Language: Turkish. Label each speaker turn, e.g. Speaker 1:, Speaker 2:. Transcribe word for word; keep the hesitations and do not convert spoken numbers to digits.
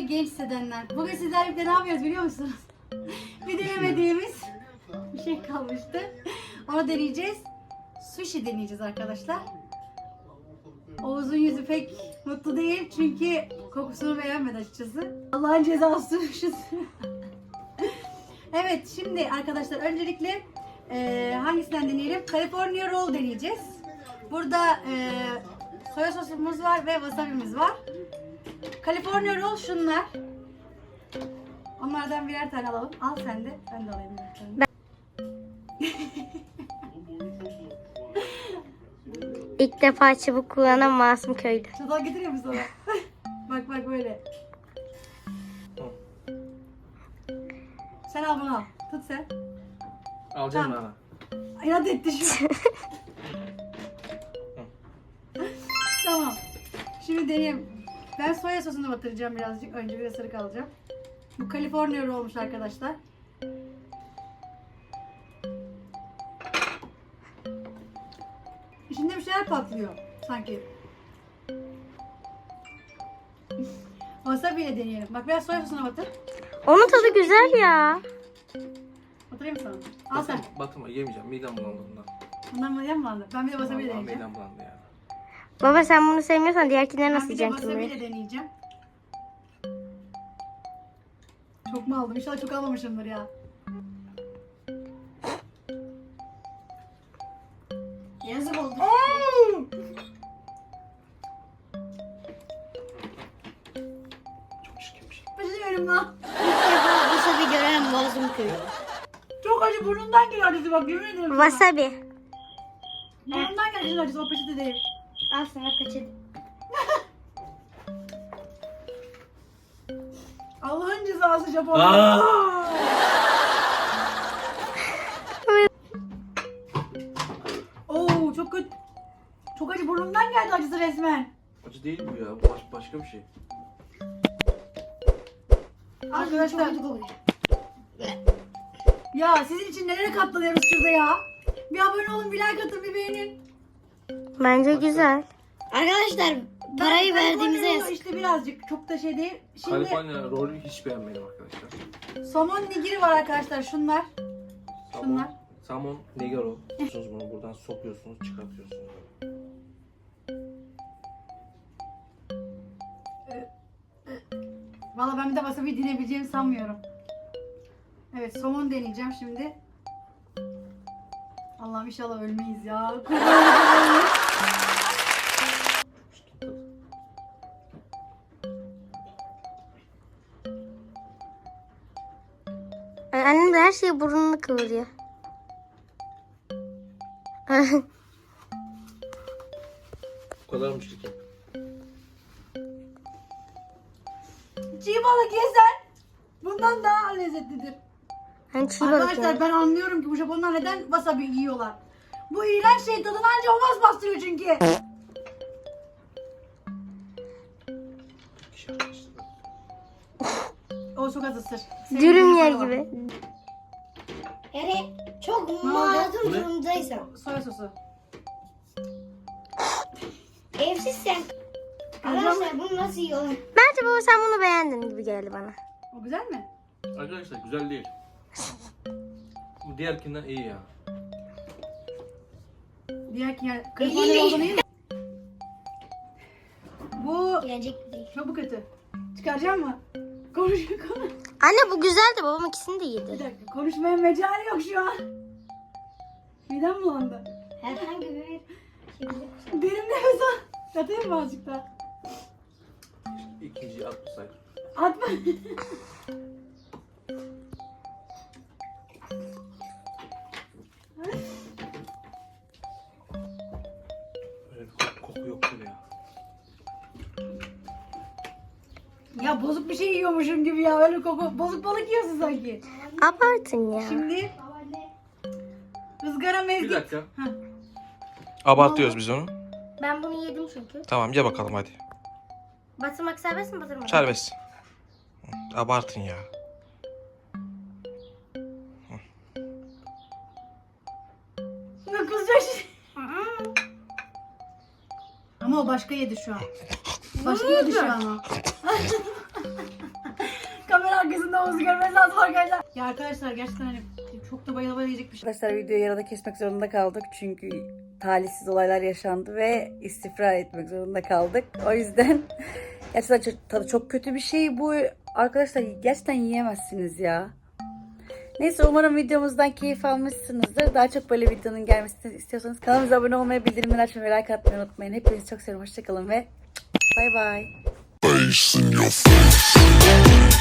Speaker 1: seni genç hissedenler. Bugün sizlerle birlikte ne yapıyoruz biliyor musunuz? Bir denemediğimiz bir şey kalmıştı. Onu deneyeceğiz. Sushi deneyeceğiz arkadaşlar. Oğuz'un yüzü pek mutlu değil çünkü kokusunu beğenmedi açıkçası. Allah'ın cezası sushi. Evet, şimdi arkadaşlar öncelikle e, hangisinden deneyelim? California Roll deneyeceğiz. Burada e, soya sosumuz var ve wasabi'miz var. California Roll şunlar. Onlardan birer tane alalım. Al sen de. Ben de alayım birer tane.
Speaker 2: Ben... İlk defa çubuk kullanan masum köylü.
Speaker 1: Çatal getiriyor musun sana? Bak bak böyle. Sen al bunu al. Tut sen.
Speaker 3: Alacağım
Speaker 1: Tamam.
Speaker 3: Nana.
Speaker 1: İnat etti şu. Tamam. Şimdi deneyeyim. Ben soya sosunu batıracağım birazcık. Önce bir ısırık alacağım. Bu California roll olmuş arkadaşlar. İçinde bir şeyler patlıyor sanki. Wasabi ile deneyelim. Bak biraz soya sosuna batır.
Speaker 2: Onun tadı güzel ya.
Speaker 1: Batırayım mı sana? Al sen.
Speaker 3: Batırma yemeyeceğim. Midem bulandı bundan.
Speaker 1: Bundan mı yem bulandı? Ben bir de wasabi ile
Speaker 3: Vallahi
Speaker 1: deneyeceğim.
Speaker 3: midem bulandı ya.
Speaker 2: Baba sen bunu sevmiyorsan diğerkileri
Speaker 1: Ben
Speaker 2: nasıl
Speaker 1: bir de
Speaker 2: yiyeceksin
Speaker 1: wasabi
Speaker 2: kimi?
Speaker 1: ile deneyeceğim. Çok mu aldım? İnşallah çok almamışımdır ya. Yazık oldu.
Speaker 3: Çok çirkin bir şey.
Speaker 1: Üzülüyorum lan.
Speaker 2: Wasabi gören masum köylü.
Speaker 1: Çok acı, burnumdan geliyor acısı bak, yemin ederim sana.
Speaker 2: Wasabi.
Speaker 1: Burnumdan geliyor acısı, o peçete değil.
Speaker 2: Al sana peçete.
Speaker 1: Allah'ın cezası Japonlar.
Speaker 3: Aa!
Speaker 1: Oo çok kötü. Çok acı, burnumdan geldi acısı resmen.
Speaker 3: Acı değil bu ya. Bu baş, başka bir şey.
Speaker 1: Arkadaşlar. Ya sizin için nelere katlanıyoruz şurada ya. Bir abone olun, bir like atın, bir beğenin.
Speaker 2: Bence güzel.
Speaker 4: Arkadaşlar parayı
Speaker 1: Ben- ben
Speaker 4: verdiğimize
Speaker 1: koyuyorum,
Speaker 4: yazık.
Speaker 1: İşte birazcık, çok da şey değil. Şimdi
Speaker 3: California rolü hiç beğenmedim arkadaşlar.
Speaker 1: somon nigiri var arkadaşlar, şunlar.
Speaker 3: Samon,
Speaker 1: Şunlar.
Speaker 3: Samon negaro. Yapıyorsunuz bunu buradan sokuyorsunuz, çıkartıyorsunuz.
Speaker 1: Valla ben bir de wasabi dinebileceğimi sanmıyorum. Evet, somon deneyeceğim şimdi. Allah'ım inşallah ölmeyiz ya.
Speaker 2: Ay, annem de her şeyi burnunu kıvırıyor.
Speaker 3: Bu kadarmış ki.
Speaker 1: Çiğ balık yesen bundan daha lezzetlidir.
Speaker 2: Hani çiğ balık
Speaker 1: Arkadaşlar
Speaker 2: yani.
Speaker 1: ben anlıyorum ki bu Japonlar neden wasabi yiyorlar. Bu iğrenç şey tadını anca o bastırıyor çünkü.
Speaker 3: Kişi arkadaşlar.
Speaker 1: O çok az ısır.
Speaker 2: Dürüm yer gibi.
Speaker 4: Yani çok
Speaker 1: oldu?
Speaker 4: mazlum
Speaker 3: Bu ne?
Speaker 4: durumdaysan,
Speaker 1: Soya sosu.
Speaker 4: evsizsen, arkadaşlar bunu nasıl yiyorlar?
Speaker 2: Bence baba sen bunu beğendin gibi geldi bana.
Speaker 1: O güzel mi?
Speaker 3: Arkadaşlar güzel değil. Bu diğerkinden iyi ya.
Speaker 1: Diğer ki yani California olduğunu iyi mi? Bu
Speaker 4: Gelecek değil.
Speaker 1: çok bu kötü. Çıkaracağım mı? Konuş konuş.
Speaker 2: Anne bu güzeldi, babam ikisini de
Speaker 1: Bir
Speaker 2: yedi.
Speaker 1: dakika, konuşmaya mecali yok şu an. Midem bulandı.
Speaker 4: Herhangi bir şekilde.
Speaker 1: Derin nefes al. Yatayım mı azıcık daha?
Speaker 3: İkinciyi atmasaydım.
Speaker 1: Atma.
Speaker 3: Öyle bir koku, koku yok böyle ya.
Speaker 1: Ya bozuk bir şey yiyormuşum gibi ya. Öyle koku. Bozuk balık yiyorsun sanki.
Speaker 2: Abartın ya.
Speaker 1: Şimdi ızgara
Speaker 3: Bir
Speaker 1: mezgit.
Speaker 3: dakika.
Speaker 1: Heh.
Speaker 5: Abartıyoruz biz onu.
Speaker 2: Ben bunu yedim çünkü.
Speaker 5: Tamam ye bakalım hadi.
Speaker 2: Batırmak serbest mi, batırmak?
Speaker 5: Serbest. Hı, abartın ya.
Speaker 1: Ne kızacak şey. Ama o başka yedi şu an. Başka yedi şu an o. arkasında omuzu görmeniz lazım arkadaşlar. Ya arkadaşlar gerçekten hani çok da bayıla bayıla yiyecek bir şey. Arkadaşlar videoyu yarıda kesmek zorunda kaldık. Çünkü talihsiz olaylar yaşandı ve istifra etmek zorunda kaldık. O yüzden gerçekten çok, tadı çok kötü bir şey bu. Arkadaşlar gerçekten yiyemezsiniz ya. Neyse umarım videomuzdan keyif almışsınızdır. Daha çok böyle videonun gelmesini istiyorsanız kanalımıza abone olmayı, bildirimleri açmayı ve like atmayı unutmayın. Hepinizi çok seviyorum. Hoşçakalın ve bay bay.
Speaker 6: Face in your face.